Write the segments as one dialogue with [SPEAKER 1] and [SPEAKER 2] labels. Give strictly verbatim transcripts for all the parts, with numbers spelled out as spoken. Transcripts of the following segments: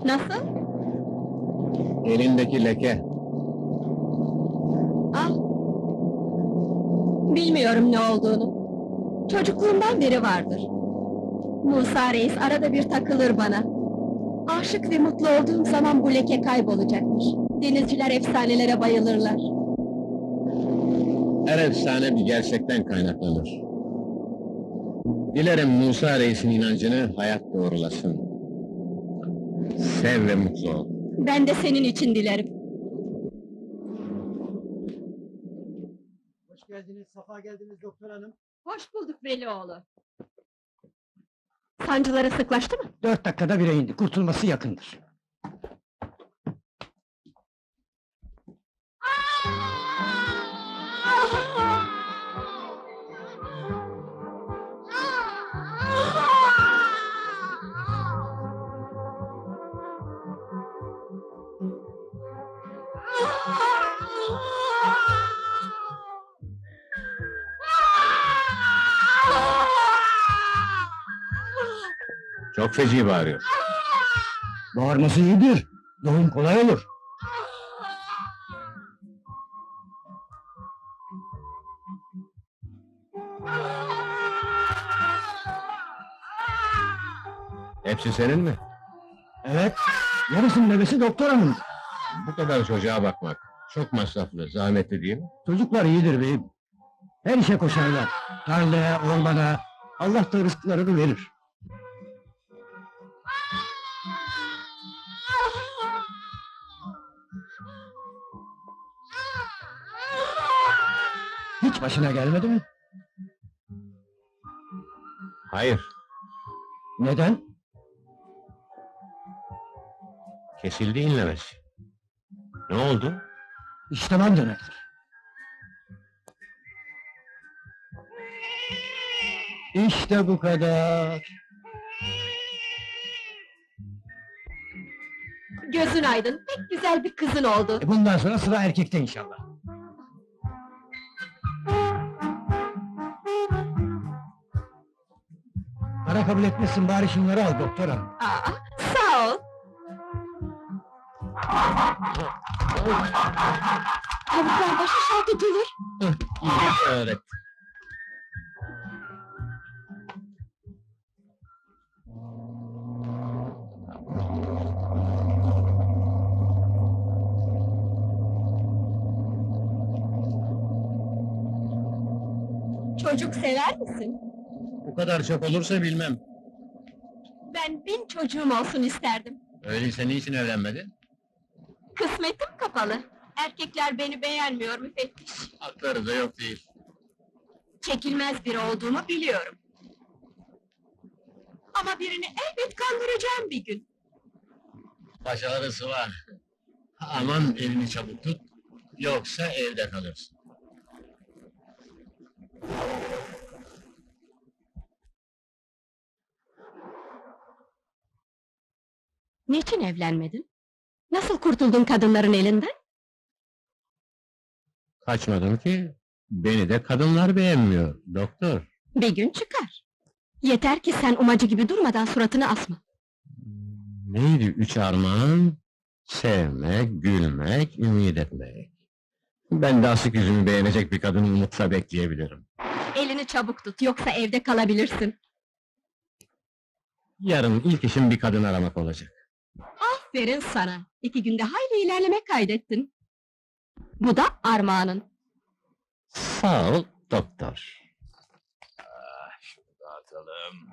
[SPEAKER 1] Nasıl?
[SPEAKER 2] Elindeki leke.
[SPEAKER 1] Al. Bilmiyorum ne olduğunu. Çocukluğumdan beri vardır. Musa Reis arada bir takılır bana. Aşık ve mutlu olduğum zaman bu leke kaybolacakmış. Denizciler efsanelere bayılırlar.
[SPEAKER 2] Her efsane bir gerçekten kaynaklanır. Dilerim Musa Reis'in inancını hayat doğrulasın. Sev ve mutlu ol.
[SPEAKER 1] Ben de senin için dilerim.
[SPEAKER 3] Hoş geldiniz, safa geldiniz doktor hanım.
[SPEAKER 1] Hoş bulduk Velioğlu. Sancıları sıklaştı mı?
[SPEAKER 3] Dört dakikada bire indi, kurtulması yakındır.
[SPEAKER 2] Çok feci bağırıyor.
[SPEAKER 3] Bağırması iyidir, doğum kolay olur.
[SPEAKER 2] Hepsi senin mi?
[SPEAKER 3] Evet, yarısının bebesi doktor hanım.
[SPEAKER 2] Bu kadar çocuğa bakmak çok masraflı, zahmetli değil mi?
[SPEAKER 3] Çocuklar iyidir beyim. Her işe koşarlar. Tarlaya, ormana, Allah da rızıklarını verir. Hiç başına gelmedi mi?
[SPEAKER 2] Hayır,
[SPEAKER 3] Neden?
[SPEAKER 2] kesildi inlemesi. Ne oldu?
[SPEAKER 3] İştemem demektir. İşte bu kadar.
[SPEAKER 1] Gözün aydın, pek güzel bir kızın oldu.
[SPEAKER 3] E bundan sonra sıra erkekte inşallah. Para kabul etmesin, bari şunları al doktor hanım.
[SPEAKER 1] Aa, sağ ol. Tavuklar baş aşağı tutulur.
[SPEAKER 2] Evet.
[SPEAKER 1] Çocuk sever misin?
[SPEAKER 2] Bu kadar çok olursa bilmem.
[SPEAKER 1] Ben bin çocuğum olsun isterdim.
[SPEAKER 2] Öyleyse niçin evlenmedin?
[SPEAKER 1] Kısmetim kapalı. Erkekler beni beğenmiyor müfettiş.
[SPEAKER 2] Hakları da yok değil.
[SPEAKER 1] Çekilmez biri olduğumu biliyorum. Ama birini elbet kandıracağım bir gün.
[SPEAKER 2] Başarısı var. Aman elini çabuk tut, yoksa evde kalırsın.
[SPEAKER 1] Niçin evlenmedin? Nasıl kurtuldun kadınların elinden?
[SPEAKER 2] Kaçmadım ki, beni de kadınlar beğenmiyor, doktor.
[SPEAKER 1] Bir gün çıkar. Yeter ki sen umacı gibi durmadan suratını asma.
[SPEAKER 2] Neydi üç armağan? Sevmek, gülmek, ümit etmek. Ben de asık yüzümü beğenecek bir kadını umutla bekleyebilirim.
[SPEAKER 1] Elini çabuk tut, yoksa evde kalabilirsin.
[SPEAKER 2] Yarın ilk işim bir kadın aramak olacak.
[SPEAKER 1] Aferin sana, iki günde hayli ilerleme kaydettin. Bu da armağanın.
[SPEAKER 2] Sağ ol, doktor. Ah, şunu dağıtalım.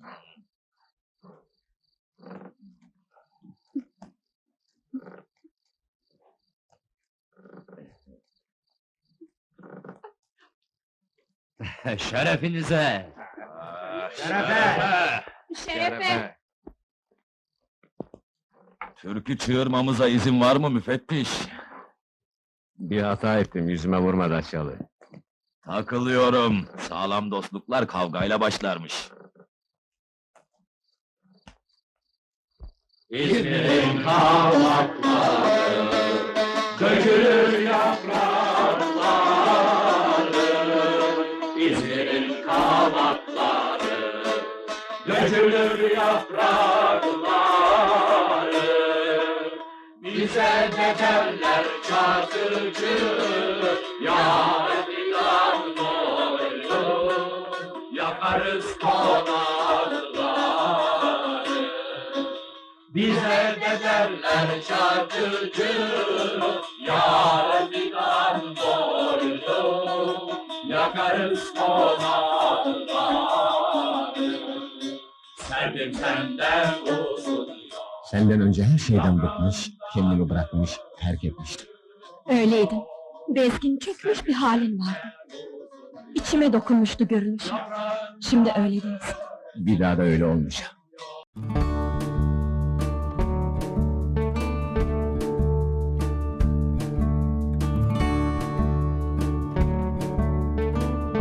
[SPEAKER 4] Şerefinize!
[SPEAKER 3] Şerefe!
[SPEAKER 1] Şerefe!
[SPEAKER 4] Türkü çığırmamıza izin var mı müfettiş?
[SPEAKER 2] Bir hata ettim, yüzüme vurma Daçyalı.
[SPEAKER 4] Takılıyorum. Sağlam dostluklar kavgayla başlarmış. İzmir'in kavakları, dökülür yaprakları. İzmir'in kavakları, dökülür yaprakları. Bize de derler çakırcı, yar filan boylu, yakarız konakları. Bize de derler çakırcı, yar filan boylu, yakarız konakları. Sevdim senden uzun.
[SPEAKER 2] Senden önce her şeyden bıkmış, kendimi bırakmış, terk etmiştim.
[SPEAKER 1] Öyleydin. Bezgin, çökmüş bir halin vardı. İçime dokunmuştu görünüşün. Şimdi öyle değilsin.
[SPEAKER 2] Bir daha da öyle olmayacak.